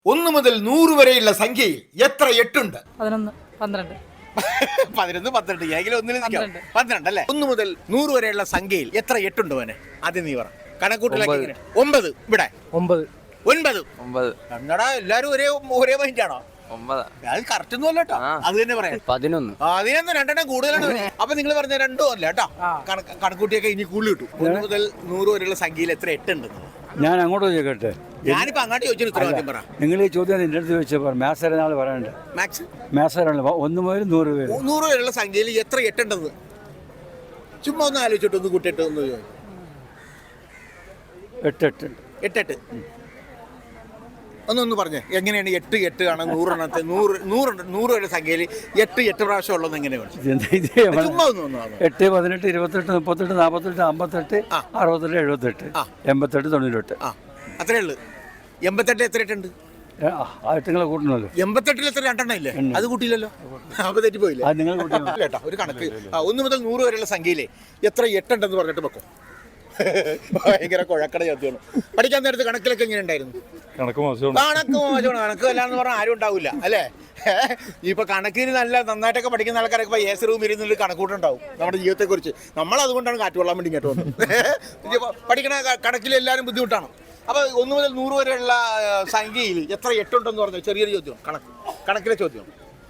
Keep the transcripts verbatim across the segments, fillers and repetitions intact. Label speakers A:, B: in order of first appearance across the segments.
A: ഒന്ന് മുതൽ നൂറ് വരെയുള്ള സംഖ്യയിൽ എത്ര എട്ടുണ്ട്?
B: പതിനൊന്ന് പന്ത്രണ്ട്
A: പതിനൊന്ന് പന്ത്രണ്ട് ഏതെങ്കിലും ഒന്നിൽ നിൽക്കാം. പന്ത്രണ്ട് അല്ലേ? ഒന്ന് മുതൽ നൂറ് വരെയുള്ള സംഖ്യയിൽ എത്ര എട്ടുണ്ട് മോനെ? ആദ്യം നീ പറ. കണക്കൂട്ടലൊക്കെ എങ്ങനെ? ഒമ്പത്. ഇവിടെ
C: ഒമ്പത്.
A: ഒൻപത്.
C: ഒമ്പത്.
A: എന്നാടാ എല്ലാരും ഒരേ ഒരേ മൈൻഡാണോ?
C: ഒമ്പത്.
A: അത് കറക്റ്റ് ഒന്നും അല്ല കേട്ടോ. അത് തന്നെ പറയാം.
C: പതിനൊന്ന്.
A: അതിനൊന്നും രണ്ടെണ്ണം കൂടുതലാണ്. അപ്പൊ നിങ്ങൾ പറഞ്ഞ രണ്ടോ അല്ല കേട്ടോ. കണക്കൂട്ടിയൊക്കെ ഇനി കൂടുതൽ കിട്ടും. ഒന്ന് മുതൽ നൂറ് വരെയുള്ള സംഖ്യയിൽ എത്ര എട്ടുണ്ട്?
C: ഞാൻ അങ്ങോട്ട് ചോദിക്കട്ടെ?
A: ഞാനിപ്പോ അങ്ങോട്ട് ചോദിച്ചു. ഉത്തരവാദിത്യം പറ.
C: നിങ്ങൾ ഈ ചോദ്യം എന്റെ അടുത്ത് ചോദിച്ചാൽ മാത്സ് അറിയാൻ പറയണ്ട.
A: മാത്സ്
C: മാത്സ് അറിയാനുള്ള ഒന്ന് മുതൽ നൂറ് വരെ
A: നൂറ് വരെയുള്ള സംഖ്യയിൽ എത്ര എട്ടുണ്ടെന്ന് ചുമ്മാ ഒന്ന് ആലോചിച്ചിട്ട് ഒന്ന് കൂട്ടിയിട്ട് ഒന്ന്
C: എട്ട് എട്ട്
A: എട്ടെട്ട് ഒന്നൊന്ന് പറഞ്ഞേ. എങ്ങനെയാണ് എട്ട് എട്ട് ആണ് നൂറെണ്ണത്തെ നൂറ് നൂറ് നൂറ് വരെ സംഖ്യയിൽ എട്ട് എട്ട് പ്രാവശ്യം ഉള്ളത് എങ്ങനെയാണ്? ചുമ്മാ ഒന്ന്
C: എട്ട് പതിനെട്ട് ഇരുപത്തെട്ട് മുപ്പത്തെട്ട് നാൽപ്പത്തെട്ട് അമ്പത്തെട്ട് അറുപത്തെട്ട് എഴുപത്തെട്ട് എൺപത്തെട്ട് തൊണ്ണൂറ്റെട്ട്
A: അത്രേ ഉള്ളു. എൺപത്തെട്ട് എത്ര എട്ടുണ്ട്?
C: ആ എട്ടുങ്ങളെ കൂട്ടണമല്ലോ.
A: എൺപത്തെട്ടിൽ എത്ര രണ്ടെണ്ണം ഇല്ലേ? അത് കൂട്ടിയില്ലല്ലോ. അപ്പൊ തെറ്റിപ്പോയില്ലേ?
C: നിങ്ങൾ
A: കേട്ടോ ഒരു കണക്ക്. ഒന്ന് മുതൽ നൂറ് വരെയുള്ള സംഖ്യയിലെ എത്ര എട്ടുണ്ടെന്ന് പറഞ്ഞിട്ട് വെക്കും. ഭയങ്കര കുഴക്കട ചോദ്യമാണ്. പഠിക്കാൻ നേരത്ത് കണക്കിലൊക്കെ എങ്ങനെ ഉണ്ടായിരുന്നു?
C: കണക്ക് മോശമാണ്.
A: കണക്ക് മോശമാണ്. കണക്ക് അല്ലാന്ന് പറഞ്ഞാൽ ആരും ഉണ്ടാവില്ല അല്ലേ? ഇപ്പൊ കണക്കിന് നല്ല നന്നായിട്ടൊക്കെ പഠിക്കുന്ന ആൾക്കാരൊക്കെ ഇപ്പൊ എ സി റൂം ഇരുന്നൊരു കണക്കൂട്ടുണ്ടാവും നമ്മുടെ ജീവിതത്തെ കുറിച്ച്. നമ്മൾ അതുകൊണ്ടാണ് കാറ്റ് കൊള്ളാൻ വേണ്ടി ഇങ്ങോട്ട് വന്നത്. പഠിക്കണ കണക്കിൽ എല്ലാവരും ബുദ്ധിമുട്ടാണ്. അപ്പൊ ഒന്ന് മുതൽ നൂറ് വരെയുള്ള സംഖ്യയിൽ എത്ര എട്ടുണ്ടെന്ന് പറഞ്ഞു ചെറിയൊരു ചോദ്യം. കണക്ക് കണക്കിലെ ചോദ്യം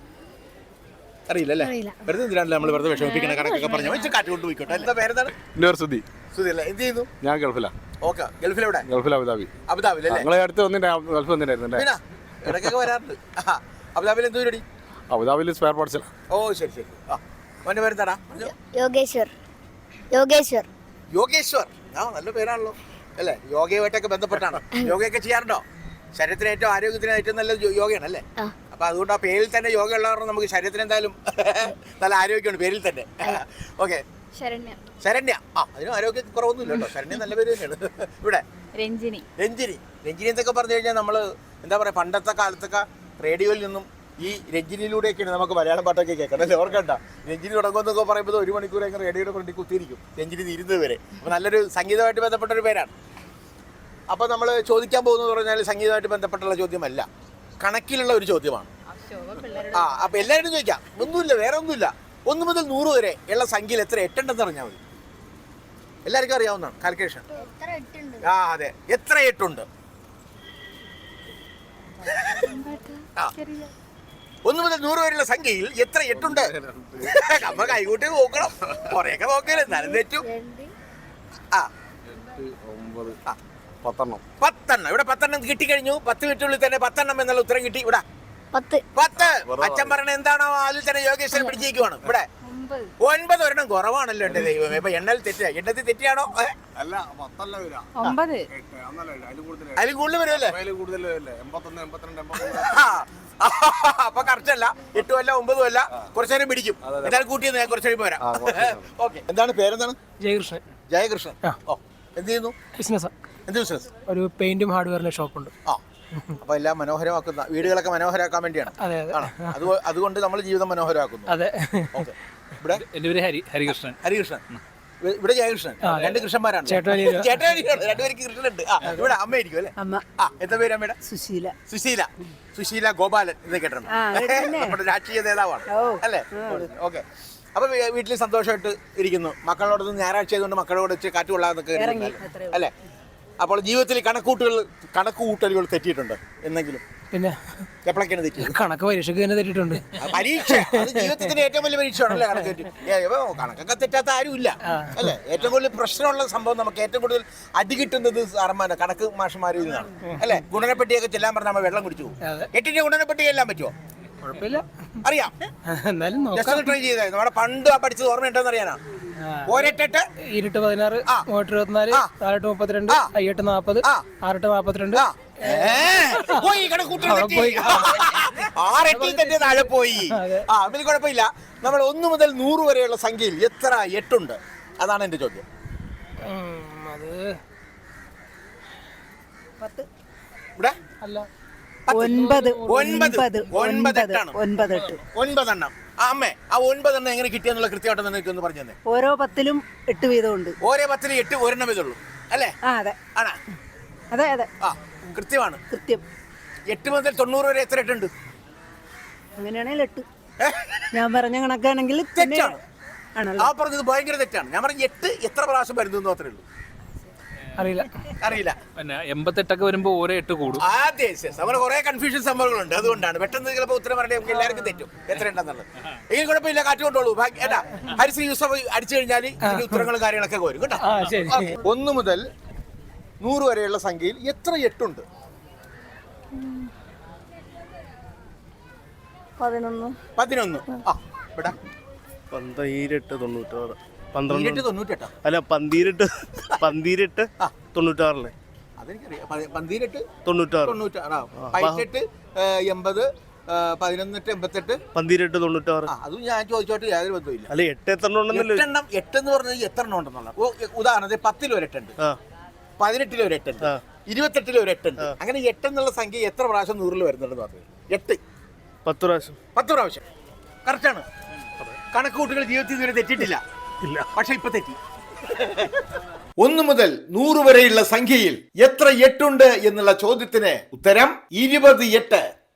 A: അറിയില്ല അല്ലേ? വെറുതെ എന്തിനാണല്ലോ നമ്മൾ വെറുതെ വിഷമിപ്പിക്കണ കണക്കൊക്കെ പറഞ്ഞു വെച്ച് കാറ്റ് കൊണ്ട് പോയിക്കോട്ടെ. എന്താ പേരെന്താണ്?
D: സുധി.
A: സുധി അല്ലേ? എന്ത് ചെയ്യുന്നു?
D: ഞാൻ ഗൾഫിലാ.
A: ഓക്കെ. ഗൾഫിലെവിടെ?
D: ഗൾഫിൽ അബുദാബി.
A: അബുദാബിയിൽ അല്ലേ?
D: നിങ്ങളെ അടുത്ത് വന്നിട്ട് ഗൾഫ് വന്നിട്ടായിരുന്നു.
A: പിന്നെ ഇടയ്ക്കൊക്കെ വരാറുണ്ട്. അബുദാബിയിൽ എന്ത് പരിപാടി?
D: അബുദാബിയിൽ സ്പെയർ പാർട്സിൽ.
A: ഓ ശരി ശരി. ആ മോൻ്റെ പേരെന്താടാ?
E: യോഗേശ്വർ. യോഗേശ്വർ.
A: യോഗേശ്വർ. ആ നല്ല പേരാണല്ലോ അല്ലേ? യോഗയുമായിട്ടൊക്കെ ബന്ധപ്പെട്ടാണ്. യോഗയൊക്കെ ചെയ്യാറുണ്ടോ? ശരീരത്തിന് ഏറ്റവും ആരോഗ്യത്തിന് ഏറ്റവും നല്ല യോഗയാണ് അല്ലേ? അപ്പൊ അതുകൊണ്ട് ആ പേരിൽ തന്നെ യോഗ ഉള്ളവർ നമുക്ക് ശരീരത്തിന് എന്തായാലും നല്ല ആരോഗ്യമാണ് പേരിൽ തന്നെ. ഓക്കെ.
E: ശരണ്യ.
A: ശരണ്യ. ആ അതിനും ആരോഗ്യ കുറവൊന്നുമില്ല കേട്ടോ. ശരണ്യ നല്ല പേര് തന്നെയാണ്. ഇവിടെ
B: രഞ്ജിനി.
A: രഞ്ജിനി. രഞ്ജിനി എന്നൊക്കെ പറഞ്ഞു കഴിഞ്ഞാൽ നമ്മൾ എന്താ പറയുക, പണ്ടത്തെ കാലത്തൊക്കെ റേഡിയോയിൽ നിന്നും ഈ രഞ്ജിനിയിലൂടെയൊക്കെയാണ് നമുക്ക് മലയാളം പാട്ടൊക്കെ കേൾക്കണം അല്ലേ? ഓർക്കണ്ട. രഞ്ജിനി തുടങ്ങുമെന്നൊക്കെ പറയുമ്പോൾ ഒരു മണിക്കൂർ എങ്ങനെ റേഡിയോയുടെ ഫ്രണ്ടിൽ കുത്തിയിരിക്കും രഞ്ജിനി തീരുന്നത് വരെ. അപ്പോൾ നല്ലൊരു സംഗീതമായിട്ട് ബന്ധപ്പെട്ടൊരു പേരാണ്. അപ്പോൾ നമ്മൾ ചോദിക്കാൻ പോകുന്നത് പറഞ്ഞാൽ സംഗീതമായിട്ട് ബന്ധപ്പെട്ടുള്ള ചോദ്യമല്ല, കണക്കിലുള്ള ഒരു ചോദ്യമാണ്. ആ അപ്പോൾ എല്ലാവരും ചോദിക്കാം. ഒന്നുമില്ല, വേറെ ഒന്നുമില്ല. ഒന്ന് മുതൽ നൂറ് വരെ ഉള്ള സംഖ്യയിൽ എത്ര എട്ടുണ്ടെന്ന് പറഞ്ഞാൽ മതി. എല്ലാവർക്കും അറിയാവുന്നതാണ് കാൽക്കുലേഷൻ. ആ അതെ. എത്ര എട്ടുണ്ട്? ആ ഒന്ന് മുതൽ നൂറ് വരെയുള്ള സംഖ്യയിൽ എത്ര എട്ടുണ്ട്? നമ്മ കൈകൂട്ടി നോക്കണം. കുറെയൊക്കെ നോക്കല്ലേ, എന്നാലും തെറ്റും. ആ
D: പത്തെണ്ണം.
A: പത്തെണ്ണം. ഇവിടെ പത്തെണ്ണം കിട്ടിക്കഴിഞ്ഞു. പത്ത് മിനിറ്റുള്ളിൽ തന്നെ പത്തെണ്ണം എന്നുള്ള ഉത്തരം കിട്ടി. ഇവിടെ
E: പത്ത്.
A: പത്ത്. അച്ഛൻ പറയണ എന്താണോ അതിൽ തന്നെ യോഗേശ്വരൻ പിടിച്ചേക്കുവാണ്. ഇവിടെ ഒൻപത് ഒരെണ്ണം കുറവാണല്ലോ എന്റെ ദൈവം. ഇപ്പൊ എണ്ണൽ തെറ്റ എണ്ണത്തിൽ തെറ്റിയാണോ? അതിൽ കൂടുതൽ വരുമല്ലേ? അപ്പൊ കറക്റ്റ് അല്ല. എട്ടും അല്ല ഒമ്പതും അല്ല. കുറച്ചു നേരം പിടിക്കും. എന്തായാലും കൂട്ടിയെന്ന് ഞാൻ കുറച്ചു കഴിയുമ്പോൾ വരാം. ഓക്കെ. എന്താണ് പേരെന്താണ്?
B: ജയകൃഷ്ണൻ.
A: ജയകൃഷ്ണൻ. ഓ എന്ത് ചെയ്യുന്നു?
B: ബിസിനസ്.
A: എന്ത് ബിസിനസ്?
B: ഒരു പെയിന്റും ഹാർഡ്വെയറിന്റെ ഷോപ്പുണ്ട്.
A: ആ അപ്പൊ എല്ലാം മനോഹരമാക്കുന്ന വീടുകളൊക്കെ മനോഹരമാക്കാൻ വേണ്ടിയാണ്.
B: അതെ അതെ.
A: അതുകൊണ്ട് നമ്മൾ ജീവിതം മനോഹരമാക്കുന്നു.
B: അതെ.
A: ഓക്കെ. ഇവിടെ
F: എന്റെ പേര് ഹരി ഹരികൃഷ്ണൻ.
A: ഹരികൃഷ്ണൻ. ഇവിടെ ജയകൃഷ്ണൻ. രണ്ട് കൃഷ്ണന്മാരാണ്.
B: ചേട്ടാനിയാണ്.
A: ചേട്ടാനിയാണ്. രണ്ടുപേർക്ക് കൃഷ്ണനുണ്ട്. ആ ഇവിടെ അമ്മയായിരിക്കും അല്ലേ?
B: അമ്മ.
A: ആ എന്താ പേര് അമ്മയുടെ?
B: സുശീല.
A: സുശീല. സുശീല ഗോപാലൻ എന്ന് കേട്ടിട്ടുണ്ട്. നമ്മുടെ രാഷ്ട്രീയ നേതാവാണ് അല്ലേ? ഓക്കെ. അപ്പൊ വീട്ടിൽ സന്തോഷമായിട്ട് ഇരിക്കുന്നു. മക്കളോടൊന്നും ഞായറാഴ്ച ആയതുകൊണ്ട് മക്കളോട് വെച്ച് കാറ്റ് കൊള്ളാന്നൊക്കെ അല്ലേ? അപ്പോൾ ജീവിതത്തിൽ കണക്കൂട്ടുകൾ കണക്കുകൂട്ടലുകൾ തെറ്റിയിട്ടുണ്ട് എന്നെങ്കിലും?
B: പിന്നെ
A: എപ്പോഴൊക്കെയാണ് തെറ്റി?
B: കണക്ക് പരീക്ഷയ്ക്ക് തന്നെ തെറ്റിയിട്ടുണ്ട്.
A: പരീക്ഷ അത് ജീവിതത്തിന്റെ ഏറ്റവും വലിയ പരീക്ഷയാണല്ലേ കണക്ക് തെറ്റി. കണക്കൊക്കെ തെറ്റാത്ത ആരും ഇല്ല അല്ലേ? ഏറ്റവും കൂടുതൽ പ്രശ്നമുള്ള സംഭവം, നമുക്ക് ഏറ്റവും കൂടുതൽ അടി കിട്ടുന്നത് സാറന്മാരെ കണക്ക് മാഷന്മാരിൽ നിന്നാണ് അല്ലേ? ഗുണനപ്പെട്ടിയൊക്കെ ചെല്ലാൻ പറഞ്ഞാൽ നമ്മൾ വെള്ളം കുടിച്ചു പോകും. എട്ടിന്റെ ഗുണനപ്പെട്ടി ചെല്ലാൻ പറ്റുമോ?
B: കുഴപ്പമില്ല,
A: അറിയാം.
B: എന്നാലും
A: ട്രൈ ചെയ്തായിരുന്നു. നമ്മുടെ പണ്ട് ആ പഠിച്ചത് ഓർമ്മയുണ്ടോന്ന് അറിയാനാ? ഒരെട്ടെട്ട്
B: ഇരുട്ട് പതിനാറ് മൂവട്ട് ഇരുപത്തിനാല് നാലെട്ട് മുപ്പത്തിരണ്ട് അയ്യെട്ട് നാപ്പത് ആറെട്ട് നാപ്പത്തിരണ്ട്
A: ആറെട്ടിൽ തന്നെ താഴെ പോയി. ആ അതിൽ കുഴപ്പമില്ല. നമ്മൾ ഒന്ന് മുതൽ നൂറ് വരെയുള്ള സംഖ്യയിൽ എത്ര എട്ടുണ്ട്? അതാണ് എന്റെ ചോദ്യം.
B: അത്
A: ഇവിടെ
B: അല്ല
E: ഒൻപത്.
A: ഒൻപത്. ഒൻപതെട്ടാണ്.
E: ഒൻപതെട്ട്.
A: ഒൻപതെണ്ണം. ആ അമ്മേ, ആ ഒൻപതെണ്ണം എങ്ങനെ കിട്ടിയെന്നുള്ള കൃത്യമായിട്ട് എനിക്കൊന്ന് പറഞ്ഞു തന്നെ.
E: ഓരോ പത്തിലും എട്ട് വീതമുണ്ട്.
A: ഓരോ പത്തിലും എട്ട് ഒരെണ്ണം ഇതുള്ളൂ അല്ലേ?
E: ആ അതെ.
A: ആണാ?
E: അതെ അതെ.
A: ആ കൃത്യമാണ്.
E: കൃത്യം.
A: എട്ട് മുതൽ തൊണ്ണൂറ് വരെ എത്ര എട്ടുണ്ട്?
E: അങ്ങനെയാണെങ്കിൽ എട്ട്. ഞാൻ പറഞ്ഞ കണക്കാണെങ്കിൽ
A: തെറ്റാണ്.
E: ആണല്ലോ.
A: ആ പറഞ്ഞത് ഭയങ്കര തെറ്റാണ്. ഞാൻ പറഞ്ഞ എട്ട് എത്ര പ്രാവശ്യം വരുന്നു അത്രേ ഉള്ളൂ.
B: അറിയില്ല.
A: അറിയില്ല.
F: പിന്നെ എൺപത്തെട്ടൊക്കെ വരുമ്പോൾ ഓരോ എട്ട് കൂടും.
A: ആദ്യ നമ്മുടെ കുറെ കൺഫ്യൂഷൻ സംഭവങ്ങളുണ്ട്. അതുകൊണ്ടാണ് പെട്ടെന്ന് ചിലപ്പോൾ ഉത്തരം പറഞ്ഞാൽ നമുക്ക് എല്ലാവർക്കും തെറ്റും എത്ര ഉണ്ടെന്നുള്ളത്. എങ്കിൽ കുഴപ്പമില്ല, കാറ്റ് കൊണ്ടോളൂ. ഏട്ടാ ഹരിശ്രീ യൂസഫ് അടിച്ചു കഴിഞ്ഞാൽ ഇതിന്റെ ഉത്തരങ്ങളും കാര്യങ്ങളൊക്കെ വരും കേട്ടോ.
B: ആ ശരി.
A: ഒന്ന് മുതൽ നൂറ് വരെയുള്ള സംഖ്യയിൽ എത്ര എട്ടുണ്ട്?
E: പതിനൊന്ന്.
A: പതിനൊന്ന്. ആ ഇവിടെ
G: പന്തീരെട്ട് തൊണ്ണൂറ്റാറ് പന്ത്രണ്ട്
A: പതിനെട്ട് തൊണ്ണൂറ്റെട്ടാ?
G: അല്ല പന്തീരെട്ട് പന്തീരെട്ട് തൊണ്ണൂറ്റാറിലെ
A: അതെനിക്കറിയാം. പ- പന്തീരെട്ട്
G: തൊണ്ണൂറ്റാറ്
A: തൊണ്ണൂറ്റാറ്. പതിനെട്ട് എൺപത് പതിനൊന്നെട്ട് എൺപത്തെട്ട്
G: പന്തീരെട്ട് തൊണ്ണൂറ്റാറ്.
A: ആ അതും ഞാൻ ചോദിച്ചോട്ട് യാതൊരു ബന്ധമില്ല.
G: അല്ല എട്ട് എത്ര ഉണ്ടെന്നല്ലോ.
A: എട്ടെണ്ണം എട്ടെന്ന് പറഞ്ഞത് എത്ര എണ്ണം ഉണ്ടെന്നുള്ള ഉദാഹരണത്തിന് പത്തിൽ ഒരു എട്ടുണ്ട്,
G: ആ
A: പതിനെട്ടിൽ ഒരു എട്ടുണ്ട്,
G: ആ.
A: ഇരുപത്തെട്ടിൽ ഒരു എട്ടുണ്ട്. അങ്ങനെ എട്ടെന്നുള്ള സംഖ്യ എത്ര പ്രാവശ്യം നൂറിൽ വരുന്നുണ്ടെന്ന് പറഞ്ഞു? എട്ട്
G: പത്ത് പ്രാവശ്യം.
A: പത്ത് പ്രാവശ്യം. കറക്റ്റാണ്. കണക്കുകൂട്ടുകൾ ജീവിതത്തിൽ ഇതുവരെ തെറ്റിട്ടില്ല.
G: ഇല്ല.
A: പക്ഷെ ഇപ്പൊ തെറ്റി. ഒന്ന് മുതൽ നൂറ് വരെയുള്ള സംഖ്യയിൽ എത്ര എട്ടുണ്ട് എന്നുള്ള ചോദ്യത്തിന് ഉത്തരം ഇരുപത് എട്ട്.